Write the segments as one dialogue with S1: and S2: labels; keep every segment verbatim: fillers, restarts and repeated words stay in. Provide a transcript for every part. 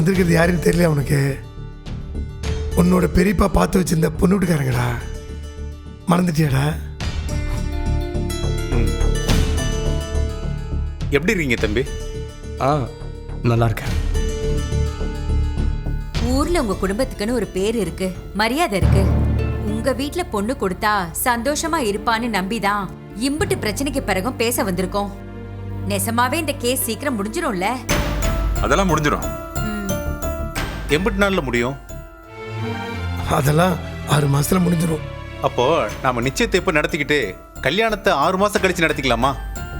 S1: வந்திருக்கிறது யாருன்னு தெரியல உனக்கு? உன்னோட பெரியப்பா பார்த்து வச்சிருந்த பொண்ணு வீட்டுக்காரங்கடா. மறந்துட்டியாடா?
S2: எப்படி இருக்கீங்க தம்பி?
S3: ஆ நல்லா இருக்கேன்.
S4: ஊர்ல உங்க குடும்பத்துக்குன்னு ஒரு பேர் இருக்கு, மரியாதை இருக்கு. உங்க வீட்ல பொண்ணு கொடுத்தா சந்தோஷமா இருப்பான்னு நம்பிதான் இம்புட்டு பிரச்சனைக்கு பிறகும் பேச வந்திருக்கோம். நெசமாவே இந்த கேஸ் சீக்கிரம் முடிஞ்சிடும்ல?
S2: அதெல்லாம் முடிஞ்சிடும். எண்பத்தி நாலுல முடியும்.
S1: அதெல்லாம் ஆறு மாசத்துல முடிஞ்சிடும்.
S2: அப்போ நாம நிச்சயத்தை எப்ப நடத்திக்கிட்டு கல்யாணத்தை ஆறு மாசம் கழிச்சு நடத்திக்கலாமா?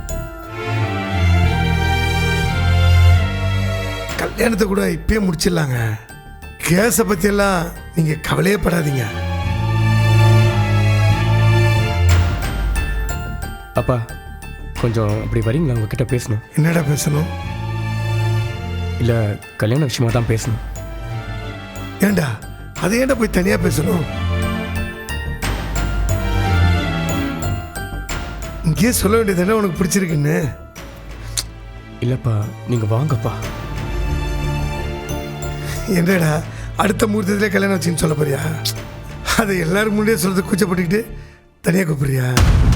S1: கல்யாணத்தை கூட இப்பயே முடிச்சிடலாங்க. கேஸை பத்தி எல்லாம் நீங்க கவலையே படாதீங்க.
S3: அப்பா கொஞ்சம் அப்படி வரீங்களா? உங்ககிட்ட பேசணும்.
S1: என்னடா பேசணும்?
S3: இல்லை கல்யாண விஷயமா தான் பேசணும்.
S1: ஏண்டா அதை ஏண்டா போய் தனியா பேசணும்? இங்கேயே சொல்ல வேண்டியது என்ன உனக்கு பிடிச்சிருக்குன்னு?
S3: இல்லைப்பா நீங்கள் வாங்கப்பா.
S1: என்னடா அடுத்த முகூர்த்தத்திலே கல்யாணம் வச்சுன்னு சொல்ல போறியா? அதை எல்லாரும் முன்னாடியே சொல்றது கூச்சப்பட்டுக்கிட்டு தனியாக கூப்பிடுறியா?